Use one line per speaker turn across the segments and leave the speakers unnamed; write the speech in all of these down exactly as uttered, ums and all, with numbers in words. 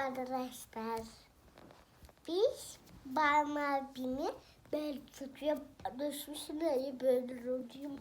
arkadaşlar. Biz Barbie abimi ben tutuyor düşmüşüm böyle böyle oluyorum.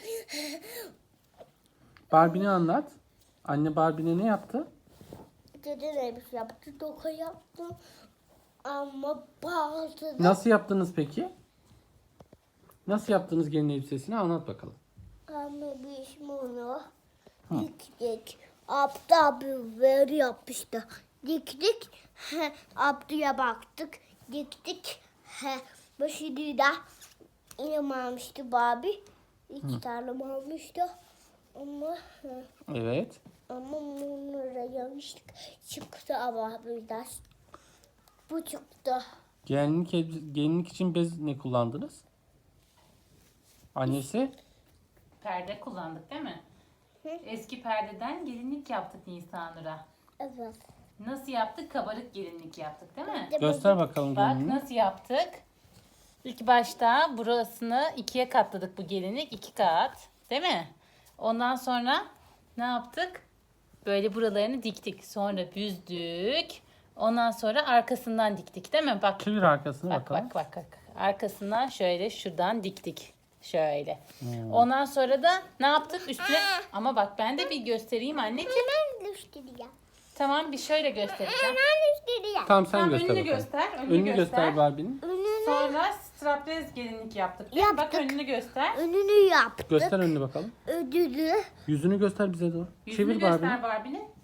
Barbie'ni anlat. Anne Barbie'ne ne yaptı?
Dede neymiş yaptı, doka yaptı. Ama bazı da
Nasıl yaptınız peki? Nasıl yaptınız gelin elbisesini anlat bakalım.
ama biz bunu diktik. Abdü abi böyle yapmıştı. Diktik. He, Abdü'ye baktık. Diktik. He, başını da yine almıştı Barbie. İki tane almıştı. Ama he,
Evet.
ama bunlara yanlışlık çıktı ama biraz. Bu çıktı.
Gelinlik, elbise- gelinlik için bez ne kullandınız? Annesi?
Perde kullandık değil mi?
Hı.
Eski perdeden gelinlik yaptık Nisanur'a.
Evet.
Nasıl yaptık? Kabarık gelinlik yaptık değil mi?
Göster bakalım
Bak
gelinliği.
nasıl yaptık? İlk başta burasını ikiye katladık bu gelinlik. iki kat. Değil mi? Ondan sonra ne yaptık? Böyle buralarını diktik. Sonra büzdük. Ondan sonra arkasından diktik değil mi? Bak
Çevir arkasını
bak
bakalım.
bak bak bak. Arkasından şöyle şuradan diktik. Şöyle.
Hmm.
Ondan sonra da ne yaptık üstüne? Ama bak ben de bir göstereyim anneciğim.
Hemen göstereceğim.
Tamam bir şöyle göstereceğim.
Hemen göstereceğim.
Tamam sen
Tamam,
göster
önünü
bakalım.
göster. Önünü,
Önünü
göster.
göster Barbie'nin.
Önünü,
Sonra strapless gelinlik yaptık. değil mi? Bak
Yaptık.
önünü göster.
önünü yaptık.
Göster önünü bakalım.
Ödülü.
Yüzünü göster bize doğru.
Yüzünü
Çevir
göster
Barbie'ni.
Barbie'nin.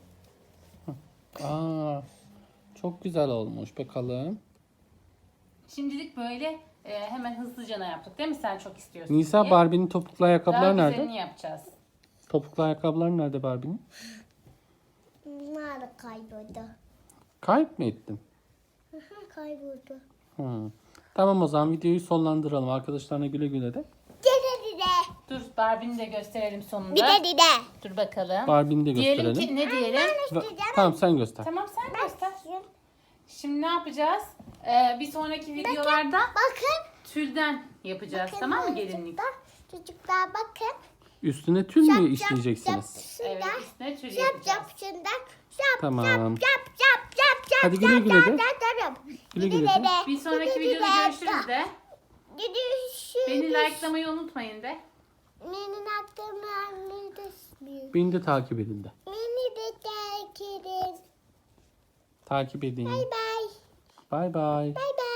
Aa, çok güzel olmuş bakalım.
Şimdilik böyle e, hemen hızlıca yaptık değil mi? Sen çok istiyorsun
Nisa
diye.
Barbie'nin topuklu
Daha
ayakkabılar nerede?
güzelini yapacağız.
Topuklu ayakkabılar nerede Barbie'nin?
Nerede kayboldu?
Kayıp mı ettin?
Hı hı, kayboldu.
Hı. Tamam o zaman videoyu sonlandıralım. Arkadaşlarına güle güle de.
Dede dede.
Dur Barbie'ni de gösterelim sonunda.
Bir de dede.
Dur bakalım.
Barbie'ni de
Diyelim
gösterelim.
ki ne diyelim?
Ve- Tamam sen göster.
Tamam sen göster. Şimdi ne yapacağız? Ee, bir sonraki videolarda
Bakın.
tülden yapacağız. Tamam mı gelinlik?
Çocuklar, çocuklar bakın.
Üstüne tül mü işleyeceksiniz?
Evet üstüne tül
Yap
yapacağız.
yap şundan. Yap
Tamam.
yap yap yap yap yap.
Hadi güle
yap,
güle
yap,
de.
yap, yap, yap.
Güle
Güle
güle de.
güle.
Bir sonraki
Güle
videoda
güle.
görüşürüz de.
Görüşürüz.
Beni likelamayı unutmayın de.
Benim aklımı anladınız.
Beni de takip edin de.
Beni de terk edin.
Takip edin.
Bay bay.
Bay bay.
Bay bay.